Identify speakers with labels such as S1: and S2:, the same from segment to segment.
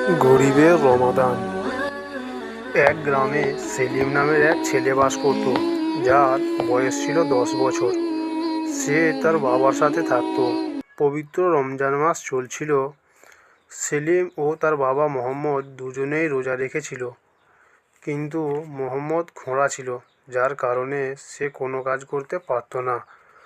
S1: গরিবের রমাদান। এক গ্রামে সেলিম নামের এক ছেলে বাস করত, যার বয়স ছিল 10 বছর। সে তার বাবার সাথে থাকতো। পবিত্র রমজান মাস চলছিল। সেলিম ও তার বাবা মোহাম্মদ দুজনেই রোজা রেখেছিল, কিন্তু মোহাম্মদ খোঁড়া ছিল, যার কারণে সে কোনো কাজ করতে পারত না।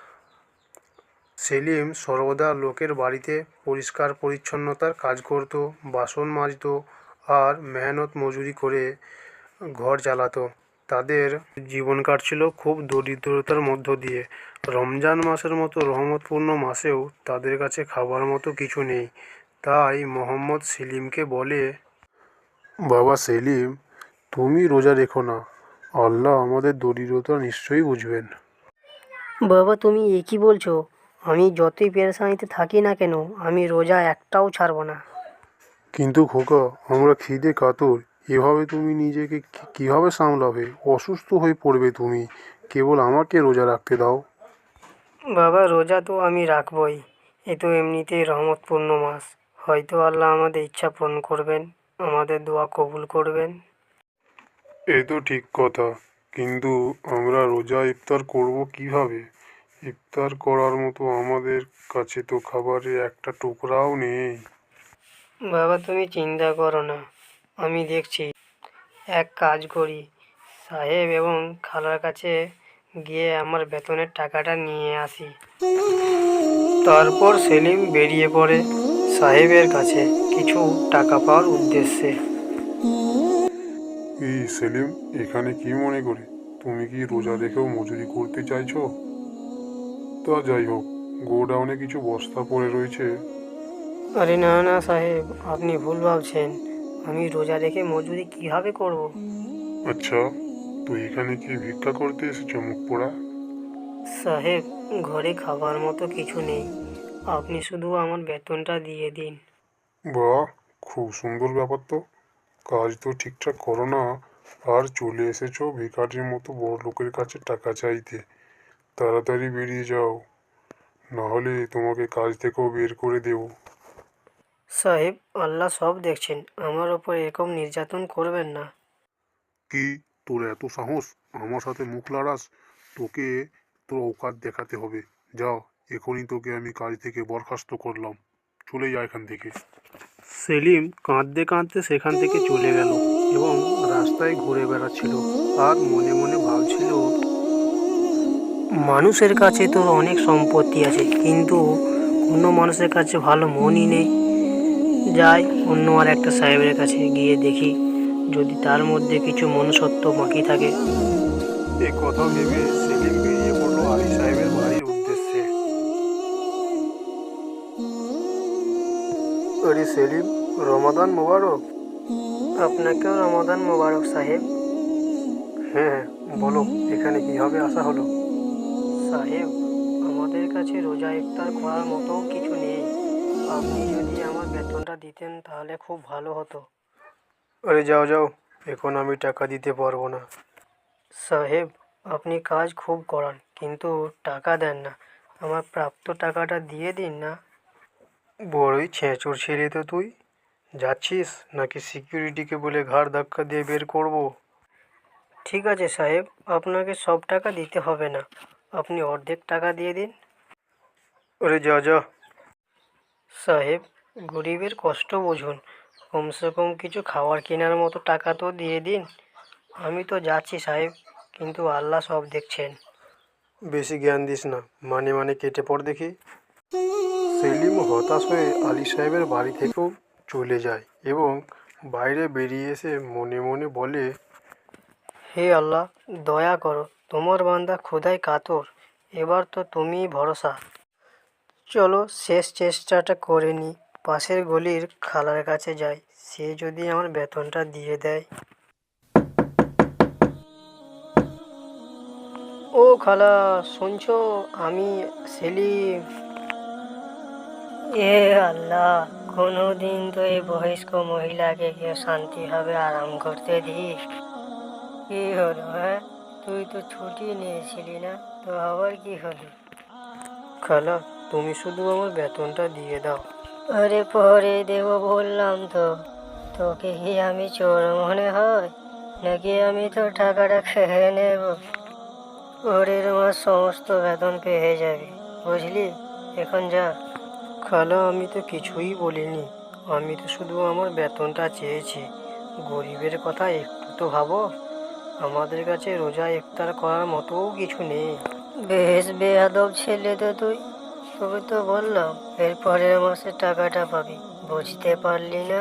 S1: সেলিম সর্বদা লোকের বাড়িতে পরিষ্কার পরিচ্ছন্নতার কাজ করত, বাসন মাজত আর মেহনত মজুরি করে ঘর চালাতো। তাদের জীবন কাটছিল খুব দরিদ্রতার মধ্য দিয়ে। রমজান মাসের মতো রহমতপূর্ণ মাসেও তাদের কাছে খাবার মতো কিছু নেই। তাই মোহাম্মদ সেলিমকে বলে, বাবা সেলিম, তুমি রোজা রেখো না, আল্লাহ আমাদের দরিদ্রতা নিশ্চয়ই বুঝবেন।
S2: বাবা, তুমি এ কি বলছো? আমি যতই পেরেশানিতে থাকি না কেন, আমি রোজা একটাও ছাড়বো না।
S1: কিন্তু খোকা, আমরা খিদে কাতর। এভাবে তুমি নিজেকে কিভাবে সামলাবে? অসুস্থ হয়ে পড়বে তুমি। কেবল আমাকে রোজা রাখতে দাও।
S2: বাবা, রোজা তো আমি রাখবই। এ তো এমনিতেই রহমতপূর্ণ মাস। হয়তো আল্লাহ আমাদের ইচ্ছা পূরণ করবেন, আমাদের দোয়া কবুল করবেন।
S1: এ তো ঠিক কথা, কিন্তু আমরা রোজা ইফতার করব কিভাবে? ইফতার করার মতো আমাদের কাছে তো খাবারের একটা টুকরাও নেই।
S2: বাবা, তুমি চিন্তা করো না, আমি দেখছি। এক কাজ করি, সাহেব এবং খালার কাছে গিয়ে আমার বেতনের টাকাটা নিয়ে আসি। তারপর সেলিম বেরিয়ে পড়ে সাহেবের কাছে কিছু টাকা পাওয়ার উদ্দেশ্যে।
S1: এই সেলিম, এখানে কি মনে করে? তুমি কি রোজা রেখেও মজুরি করতে চাইছো? তা যাই হোক, গোডাউনে কিছু বস্তা পড়ে রয়েছে।
S2: আরে না না সাহেব, আপনি ভুল ভাবছেন। আমি রোজা রেখে মজুরি কিভাবে করব?
S1: আচ্ছা, তো এখানে কি ভিক্ষা করতে এসেছো মুখ পোড়া?
S2: সাহেব, ঘরে খাবার মতো কিছু নেই। আপনি শুধু আমার বেতনটা দিয়ে দিন।
S1: বাহ, খুব সুন্দর ব্যাপার তো। কাজ তো ঠিকঠাক করো না, আর চলে এসেছো ভিখারির মতো বড় লোকের কাছে টাকা চাইতে। তাড়াতাড়ি বেরিয়ে যাও, না হলে তোমাকে কাজ থেকেও বের করে দেবো।
S2: সাহেব, আল্লাহ সব দেখছেন, আমার ওপর এরকম নির্যাতন করবেন না।
S1: কি, তোর এত সাহস আমার সাথে মুখ লড়াস? তোকে তোর অকাত দেখাতে হবে। যাও, এখনই তোকে আমি কাজ থেকে বরখাস্ত করলাম। চলে যা এখান থেকে। সেলিম কাঁদতে কাঁদতে সেখান থেকে চলে গেল এবং রাস্তায় ঘুরে বেড়াচ্ছিল আর মনে মনে ভাবছিল,
S2: মানুষের কাছে তো অনেক সম্পত্তি আছে, কিন্তু কোনো মানুষের কাছে ভালো মনই নেই। যাই, অন্য আর একটা সাহেবের কাছে গিয়ে দেখি যদি তার মধ্যে কিছু মনুষ্যত্ব বাকি থাকে।
S1: এ কথা ভেবে সেলিম বেরিয়ে পড়লো আলী সাহেবের বাড়ির উদ্দেশ্যে। আরে সেলিম, রমাদান মোবারক।
S2: আপনাকেও রমাদান মোবারক সাহেব।
S1: হ্যাঁ হ্যাঁ, বলো, এখানে কিভাবে আসা হলো?
S2: সাহেব, আমাদের কাছে রোজা ইফতার করার মতো কিছু নেই। আপনি যদি আমার বেতনটা দিতেন তাহলে খুব ভালো হতো।
S1: আরে যাও যাও, এখন আমি টাকা দিতে পারবো না।
S2: সাহেব, আপনি কাজ খুব করান কিন্তু টাকা দেন না। আমার প্রাপ্ত টাকাটা দিয়ে দিন না।
S1: বড়ই ছেঁচড় ছেলে তো তুই। যাচ্ছিস নাকি সিকিউরিটিকে বলে ঘাড় ধাক্কা দিয়ে বের করবো?
S2: ঠিক আছে সাহেব, আপনাকে সব টাকা দিতে হবে না, আপনি অর্ধেক টাকা দিয়ে দিন।
S1: আরে যা যা।
S2: সাহেব, গরিবের কষ্ট বুঝুন, কমসে কম কিছু খাবার কেনার মতো টাকা তো দিয়ে দিন। আমি তো যাচ্ছি সাহেব, কিন্তু আল্লাহ সব দেখছেন।
S1: বেশি জ্ঞান দিস না, মানে মানে কেটে পড় দেখি। সেলিম হতাশ হয়ে আলী সাহেবের বাড়ি থেকেও চলে যায় এবং বাইরে বেরিয়ে এসে মনে মনে বলে,
S2: হে আল্লাহ, দয়া করো, তোমার বান্দা ক্ষুধায় কাতর, এবার তো তুমিই ভরসা। চলো শেষ চেষ্টাটা করে নিই, পাশের গলির খালার কাছে যাই, সে যদি আমার বেতনটা দিয়ে দেয়। ও খালা, শুনছো? আমি সেলিম। এ আল্লাহ, কোনোদিন তো এই বয়স্ক মহিলাকে কেউ শান্তিভাবে আরাম করতে দিস। কি হলো, হ্যাঁ? তুই তো ছুটি নিয়েছিলি না, তো আবার কি হলো? খালা, তুমি শুধু আমার বেতনটা দিয়ে দাও। আরে পরে দেবো বললাম তো, তোকে কি আমি চোর মনে হয় নাকি আমি তোর টাকাটা খেয়ে নেব? পরের মাস সমস্ত বেতন পেয়ে যাবি, বুঝলি? এখন যা। খালা, আমি তো কিছুই বলিনি। আমি তো শুধু আমার বেতনটা চেয়েছি। গরিবের কথা একটু তো ভাবো। আমাদের কাছে রোজা ইফতার করার মতোও কিছু নেই। বেশ বেয়াদব ছেলে তো তুই। তোকে তো বললাম এর পরের মাসে টাকাটা পাবি, বুঝতে পারলি না?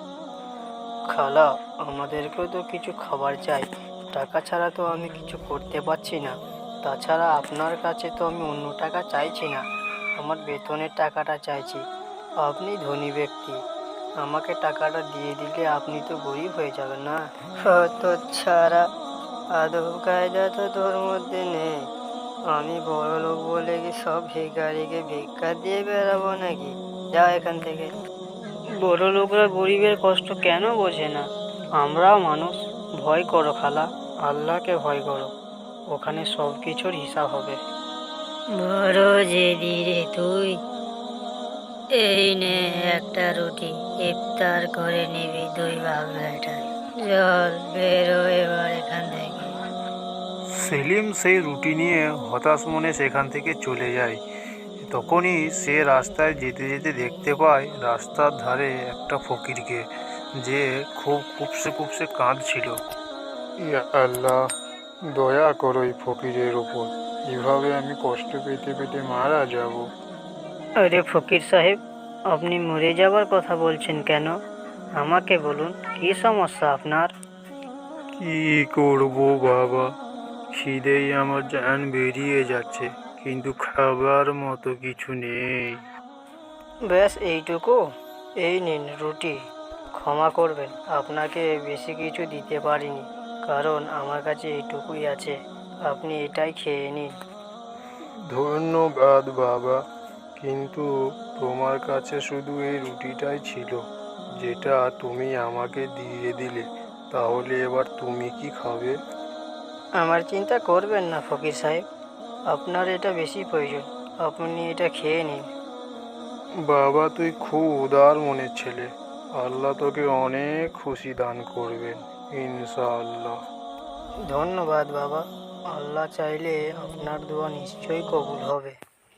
S2: খালা, আমাদেরকেও তো কিছু খাবার চাই। টাকা ছাড়া তো আমি কিছু করতে পারছি না। তাছাড়া আপনার কাছে তো আমি অন্য টাকা চাইছি না, আমার বেতনের টাকাটা চাইছি। আপনি ধনী ব্যক্তি, আমাকে টাকাটা দিয়ে দিলে আপনি তো গরিব হয়ে যাবেন না? তো ছাড়া আদব কায়দা তো তোর মধ্যে নেই। আমি বড় লোক বলে কি সব ভিখারিকে ভিক্ষা দিয়ে বেড়াবো নাকি? যা এখান থেকে। বড় লোকরা গরিবের কষ্ট কেন বোঝে না? আমরাও মানুষ। ভয় করো খালা, আল্লাহকে ভয় করো। ওখানে সব কিছুর হিসাব হবে। বড় জেদি রে তুই। এই নে একটা রুটি, ইফতার করে নিবি দুই ভাগ বেটায়। চল বেরো এবার এখান থেকে।
S1: সেলিম সেই রুটি নিয়ে হতাশ মনে সেখান থেকে চলে যায়। তখনই সে রাস্তায় যেতে যেতে দেখতে পায় রাস্তার ধারে একটা ফকিরকে, যে খুব কুপসে কুপসে কাঁদছিল। ইয়া আল্লাহ, দয়া করো এই ফকিরের ওপর। এভাবে আমি কষ্ট পেতে পেতে মারা যাব।
S2: আরে ফকির সাহেব, আপনি মরে যাবার কথা বলছেন কেন? আমাকে বলুন, কি সমস্যা আপনার?
S1: কি করব বাবা, খিদেই আমার জান বেরিয়ে যাচ্ছে, কিন্তু খাবার মতো কিছু নেই।
S2: ব্যাস এইটুকু? এই নিন রুটি। ক্ষমা করবেন, আপনাকে বেশি কিছু দিতে পারিনি, কারণ আমার কাছে এইটুকুই আছে। আপনি এটাই খেয়ে নিন।
S1: ধন্যবাদ বাবা, কিন্তু তোমার কাছে শুধু এই রুটিটাই ছিল, যেটা তুমি আমাকে দিয়ে দিলে। তাহলে এবার তুমি কি খাবে?
S2: আমার চিন্তা করবেন না ফকির সাহেব, আপনার এটা বেশি প্রয়োজন, আপনি এটা খেয়ে নিন।
S1: বাবা, তুই খুব উদার মনের ছেলে। আল্লাহ তোকে অনেক খুশি দান করবেন, ইনশাআল্লাহ।
S2: ধন্যবাদ বাবা, আল্লাহ চাইলে আপনার দোয়া নিশ্চয়ই কবুল হবে।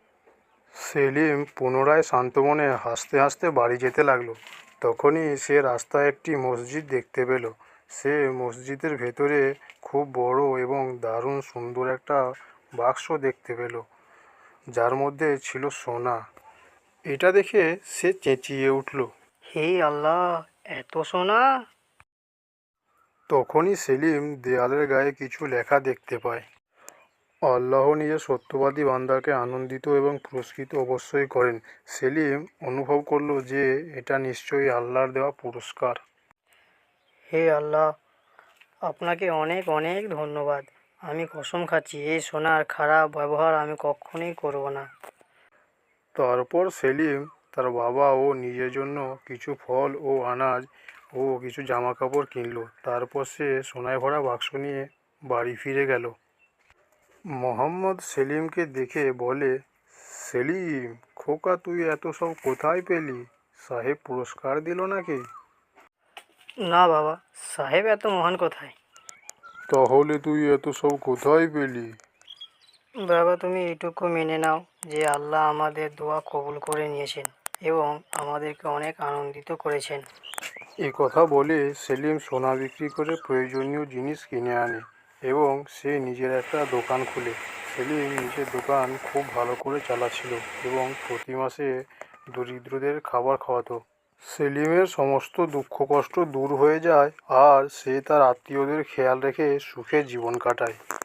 S1: সেলিম পুনরায় শান্ত মনে হাসতে হাসতে বাড়ি যেতে লাগলো। তখনই সে রাস্তায় একটি মসজিদ দেখতে পেল। সে মসজিদের ভেতরে খুব বড় এবং দারুণ সুন্দর একটা বাক্স দেখতে পেল, যার মধ্যে ছিল সোনা। এটা দেখে সে চেঁচিয়ে উঠল।
S2: হে আল্লাহ, এত সোনা!
S1: তখনই সেলিম দেয়ালের গায়ে কিছু লেখা দেখতে পায়। আল্লাহ নিজের সত্যবাদী বান্দাকে আনন্দিত এবং পুরস্কৃত অবশ্যই করেন। সেলিম অনুভব করলো যে এটা নিশ্চয়ই আল্লাহর দেওয়া পুরস্কার।
S2: হে আল্লাহ, আপনাকে অনেক অনেক ধন্যবাদ। আমি কসম খাচ্ছি এই সোনার খারাপ ব্যবহার আমি কখনোই করব না।
S1: তারপর সেলিম তার বাবা ও নিজের জন্য কিছু ফল ও আনাজ ও কিছু জামা কাপড় কিনলো। তারপর সে সোনায় ভরা বাক্স নিয়ে বাড়ি ফিরে গেল। মোহাম্মদ সেলিমকে দেখে বলে, সেলিম খোকা, তুই এত সব কোথায় পেলি? সাহেব পুরস্কার দিল নাকি?
S2: না বাবা, সাহেব এত মহান কোথায়?
S1: তাহলে তুই এত সব কোথায় পেলি?
S2: বাবা, তুমি এটুকু মেনে নাও যে আল্লাহ আমাদের দোয়া কবুল করে নিয়েছেন এবং আমাদেরকে অনেক আনন্দিত করেছেন।
S1: এ কথা বলে সেলিম সোনা বিক্রি করে প্রয়োজনীয় জিনিস কিনে আনে এবং সে নিজের একটা দোকান খুলে। সেলিম নিজের দোকান খুব ভালো করে চালাচ্ছিল এবং প্রতি মাসে দরিদ্রদের খাবার খাওয়াতো। সেলিমের সমস্ত দুঃখ কষ্ট দূর হয়ে যায় আর সে তার আত্মীয়দের খেয়াল রেখে সুখে জীবন কাটায়।